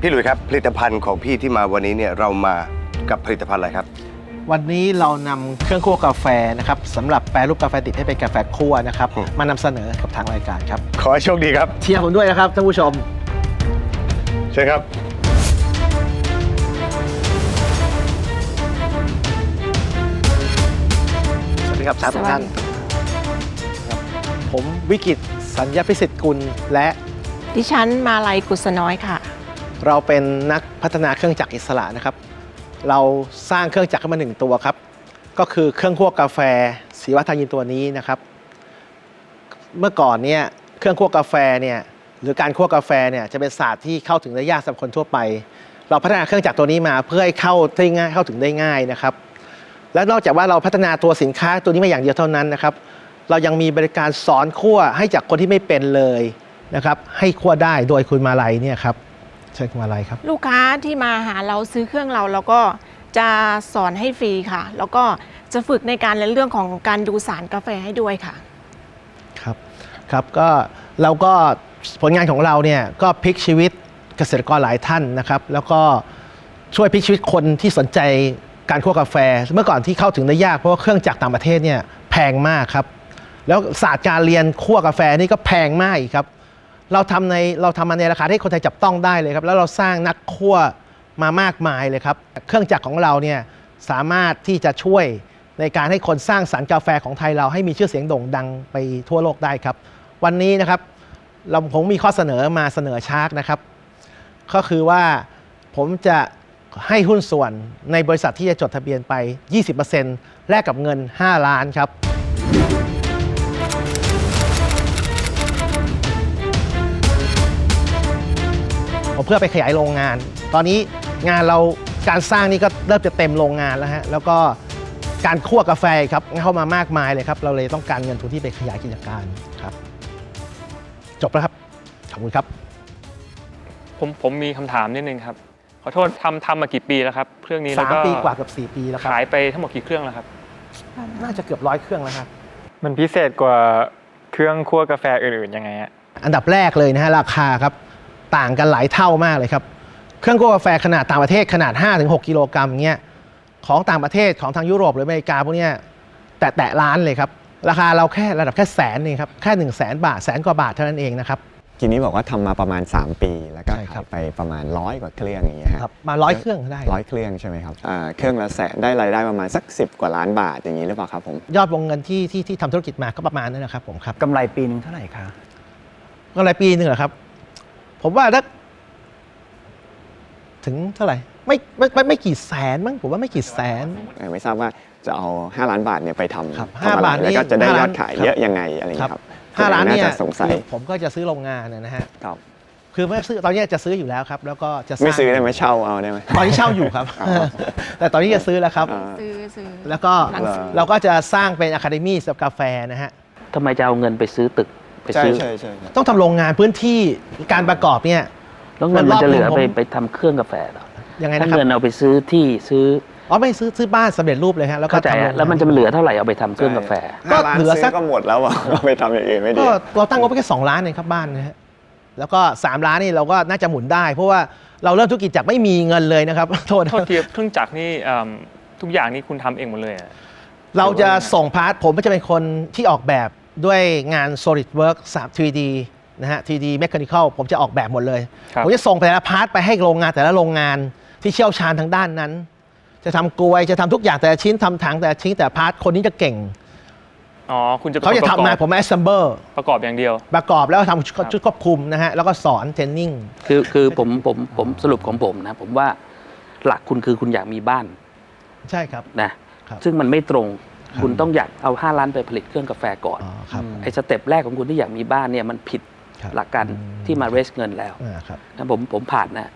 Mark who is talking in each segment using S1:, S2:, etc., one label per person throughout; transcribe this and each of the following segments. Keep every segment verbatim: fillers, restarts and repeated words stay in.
S1: พี่หลุยครับผลิตภัณฑ์ของพี่ที่มาวันนี้เนี่ยเรามากับผลิตภัณฑ์อะไรครับ
S2: วันนี้เรานำเครื่องคั่วกาแฟนะครับสำหรับแปรรูปกาแฟดิบให้เป็นกาแฟคั่วนะครับมานำเสนอกับทางรายการครับ
S1: ขอให้โชคดีครับ
S2: เชียร์ผมด้วยนะครับท่านผู้ชม
S1: เชิญครับ
S2: สวัสดีครับสามท่านผมวิกิตสัญญาพิสิทธิ์กุลและ
S3: ดิฉันมาลัยกุศน้อยค่ะ
S2: เราเป็นนักพัฒนาเครื่องจักรอิสระนะครับเราสร้างเครื่องจักรขึ้นมาหนึ่งตัวครับก็คือเครื่องคั่วกาแฟศิวะทายินตัวนี้นะครับเมื่อก่อนเนี่ยเครื่องคั่วกาแฟเนี่ยหรือการคั่วกาแฟเนี่ยจะเป็นศาสตร์ที่เข้าถึงได้ยากสำหรับคนทั่วไปเราพัฒนาเครื่องจักรตัวนี้มาเพื่อให้เข้าได้ง่ายเข้าถึงได้ง่ายนะครับและนอกจากว่าเราพัฒนาตัวสินค้าตัวนี้มาอย่างเดียวเท่านั้นนะครับเรายังมีบริการสอนคั่วให้จากคนที่ไม่เป็นเลยนะครับให้คั่วได้โดยคุณมาลัยเนี่ยครับเชิญคุณมาลัยครับ
S3: ลูกค้าที่มาหาเราซื้อเครื่องเราเราก็จะสอนให้ฟรีค่ะแล้วก็จะฝึกในการเรื่องของการดูสารกาแฟให้ด้วยค่ะ
S2: ครับครับก็เราก็ผลงานของเราเนี่ยก็พลิกชีวิตเกษตรกรหลายท่านนะครับแล้วก็ช่วยพลิกชีวิตคนที่สนใจการคั่วกาแฟเมื่อก่อนที่เข้าถึงได้ยากเพราะว่าเครื่องจักรต่างประเทศเนี่ยแพงมากครับแล้วศาสตร์การเรียนคั่วกาแฟนี่ก็แพงมากอีกครับเราทำในเราทำมาในราคาที่คนไทยจับต้องได้เลยครับแล้วเราสร้างนักคั่วมามากมายเลยครับเครื่องจักรของเราเนี่ยสามารถที่จะช่วยในการให้คนสร้างสรรค์กาแฟของไทยเราให้มีชื่อเสียงโด่งดังไปทั่วโลกได้ครับวันนี้นะครับเราผมมีข้อเสนอมาเสนอชาร์กนะครับก็คือว่าผมจะให้หุ้นส่วนในบริษัทที่จะจดทะเบียนไป ยี่สิบเปอร์เซ็นต์ แลกกับเงินห้าล้านครับเพื่อไปขยายโรงงานตอนนี้งานเราการสร้างนี่ก็เริ่มจะเต็มโรงงานแล้วฮะแล้วก็การคั่วกาแฟครับเข้ามามากมายเลยครับเราเลยต้องการเงินทุนที่ไปขยายกิจการครับจบแล้วครับขอบคุณครับ
S4: ผมผมมีคำถามนิดนึงครับขอโทษทำทำมากี่ปีแล้วครับเครื่องนี้แล้วก็
S2: สามปีกว่าเกือบสี่ปีแล้วครับ
S4: ขายไปทั้งหมดกี่เครื่องแล้วครับ
S2: น่าจะเกือบร้อยเครื่องแล้วครับ
S5: มันพิเศษกว่าเครื่องคั่วกาแฟอื่นๆยังไงฮะ
S2: อันดับแรกเลยนะฮะราคาครับต่างกันหลายเท่ามากเลยครับเครื่องคั่วกาแฟขนาดต่างประเทศขนาด ห้าถึงหก กิโลกรัมเงี้ยของต่างประเทศของทางยุโรปหรืออเมริกาพวกนี้แตะแตะล้านเลยครับราคาเราแค่ระดับแค่แสนเองครับแค่หนึ่งแสนบาทแสนกว่าบาทเท่านั้นเองนะครับ
S6: ทีนี้บอกว่าทำมาประมาณสามปีแล้วก็ขายไปประมาณร้อยกว่าเครื่องอย่างเงี้ย
S2: ครับมาร้อยเครื่องได้
S6: ร้อยเครื่องใช่ไหมครับเครื่องละแสนได้รายได้ประมาณสักสิบกว่าล้านบาทอย่างนี้หรือเปล่าครับผม
S2: ยอดวงเงินที่ที่ที่ทำธุรกิจมาก็ประมาณนั้นนะครับผมครับ
S7: กำไรปีนึงเท่าไหร่คะ
S2: กำไรปีนึงเหรอครับผมว่าถ้าถึงเท่าไหร่ไม่ไม่ไม่ไม่กี่แสนมั้งผมว่าไม่กี่แสน
S6: ไม่ทราบว่าจะเอาห้าล้านบาทเนี่ยไปทำ
S2: ห้าบาท
S6: แล้วก็จะได้ยอดขายเยอะยังไงอะไรครับ
S2: ห้าล้านเนี่ย
S6: สงสัย
S2: ผมก็จะซื้อโรงงานนะฮะ
S6: ครับ
S2: คือไม่ซื้อตอนนี้จะซื้ออยู่แล้วครับแล้วก็จะ
S6: ไม่ซื้อได้ไหมเช่าเอาได้ไหม
S2: ตอนนี้เช่าอยู่ครับแต่ตอนนี้จะซื้อแล้วครับ
S3: ซื้อซื้อ
S2: แล้วก็เราก็จะสร้างเป็นอะคาเดมี่สำหรับกาแฟนะฮะ
S7: ทำไมจะเอาเงินไปซื้อตึกไปซื้อ
S6: ใช่ใช่
S2: ต้องทำโรงงานพื้นที่การประกอบเนี่ย
S7: แล้วเงินมันจะเหลือไปไปทำเครื่องกาแฟหรอ
S2: ยังไงนะครับ
S7: เงินเอาไปซื้อที่ซื้อ
S2: อ๋อไม่ซื้อซื้อบ้านสำเร็จรูปเลยฮะแล้วก็
S7: ทำแล้วมันจะเหลือเท่าไหร่เอาไปทำเครื่องกาแฟ
S6: ก็เหลือสักก็หมดแล้วอ่ะเอาไปทำอย่างอื่นไม่ดี
S2: ก็เราตั้งงบไปแค่สองล้านเองครับบ้านนะฮะแล้วก็สามล้านนี่เราก็น่าจะหมุนได้เพราะว่าเราเริ่มธุรกิจจากไม่มีเงินเลยนะครับโทษ
S4: โทษทีเครื่องจักรนี่ทุกอย่างนี่คุณทำเองหมดเลย
S2: เราจะส่งพาร์ทผมก็จะเป็นคนที่ออกแบบด้วยงาน SolidWorks ทรี ดี นะฮะ ทรี ดี Mechanical ผมจะออกแบบหมดเลยผมจะส่งแต่ละพาร์ทไปให้โรงงานแต่ละโรงงานที่เชี่ยวชาญทางด้านนั้นจะทำกลวยจะทำทุกอย่างแต่ละชิ้นทำถังแต่ละชิ้นแต่พาร์ทคนนี้จะเก่ง
S4: อ๋อคุณจะ
S2: เขาจะทำงานผม assemble
S4: ประกอบอย่างเดียว
S2: ประกอบแล้วทำชุดควบคุมนะฮะแล้วก็สอนเทรนนิ่ง
S7: คือคือผมผมผมสรุปของผมนะผมว่าหลักคุณคือคุณอยากมีบ้าน
S2: ใช่ครับ
S7: นะซึ่งมันไม่ตรงคุณต้องอยากเอาห้าล้านไปผลิตเครื่องกาแฟก่อนไอ้สเต็ปแรกของคุณที่อยากมีบ้านเนี่ยมันผิดหลักการที่มาเรสเงินแล้วนะผมผมผ่านนะ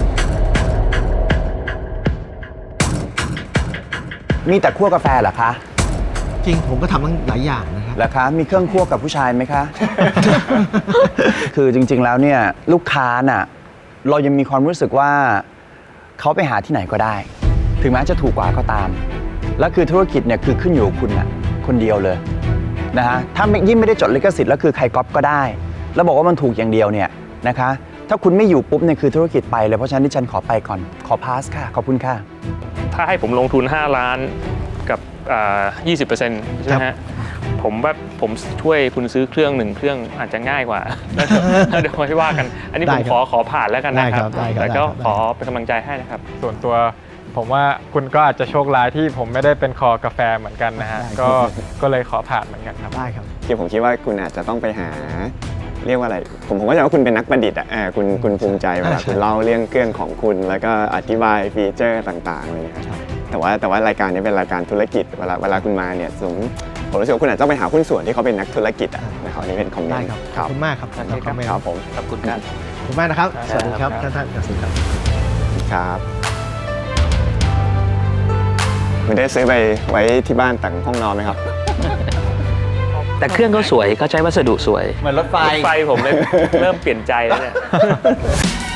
S8: มีแต่คั่วกาแฟเหรอคะ
S2: จริงผมก็ทำตั้งหลายอย่างนะครับ
S8: เหรอคะมีเครื่องคั่วกับผู้ชายไหมคะ คือจริงๆแล้วเนี่ยลูกค้าน่ะเรายังมีความรู้สึกว่าเขาไปหาที่ไหนก็ได้ถึงแม้จะถูกกว่าก็ตามแล้วคือธุรกิจเนี่ยคือขึ้นอยู่กับคุณน่ะคนเดียวเลยนะฮะถ้ายิ่งไม่ได้จดลิขสิทธิ์แล้วคือใครก๊อปก็ได้แล้วบอกว่ามันถูกอย่างเดียวเนี่ยนะคะถ้าคุณไม่อยู่ปุ๊บเนี่ยคือธุรกิจไปเลย เพราะฉะนั้นดิฉันขอไปก่อน ขอพาสค่ะ ขอบคุณค่ะ
S4: ถ้าให้ผมลงทุน ห้า ล้านกับอ่ายี่สิบเปอร์เซ็นต์ใช่ไหมฮะผมว่าผมช่วยคุณซื้อเครื่องหนึ่งเครื่องอาจจะง่ายกว่า แล้วเดี๋ยวค่อยว่ากัน อันนี้ผมขอขอผ่านแล้วกันนะครับ
S2: ได้ครับได้ครับ
S4: แต่ก็
S2: ได้ครับ
S4: ขอเป็นกำลังใจให้นะครับ
S5: ส่วนตัวผมว่าคุณก็อาจจะโชคร้ายที่ผมไม่ได้เป็นคอกาแฟเหมือนกันนะฮะ ก็ก็เลยขอผ่านเหมือนกันครับ
S2: ได้ครับ
S6: คือผมคิดว่าคุณอาจจะต้องไปหาเรียกว่าอะไร ผมผมก็จะว่าคุณเป็นนักประดิษฐ์อ่ะเออคุณคุณภูมิใจเวลา
S2: ใช่
S6: คุณเล่าเรื่องเครื่องของคุณ แล้วก็อธิบายฟีเจอร์ต่างๆอะไรอย่างเงี้ย
S2: ครับ
S6: แต่ว่าแต่ว่ารายการนี้เป็นรายการธุรกิจเวลาเวลาคุณมาเนี่ยผมผมรู้สึกว่าคุณอาจจะต้องไปหาหุ้นส่วนที่เขาเป็นนักธุรกิจอ่ะนะครับอันนี่เป็นคอมเมน
S2: ได้
S6: ต์
S2: ครับ
S6: ค
S2: ขอ
S6: รั
S2: บบ คุณมากครับ
S4: โอเคครับ
S6: ครับผม
S4: ขอบคุณครับ
S2: ขอบคุณมากนะครับ สวัสดีครับ
S4: ครับ
S2: ท่านท่านสวัสดีครับ
S6: ครับคุณได้ซื้อไปไว้ที่บ้านแต่งห้องนอนไหมครับ
S7: แต่เครื่องเขาสวยเขาใช้วัสดุสวย
S8: เหมือนรถไฟ
S4: รถไฟผมเลยเริ่มเปลี่ยนใจแล้วเนี่ย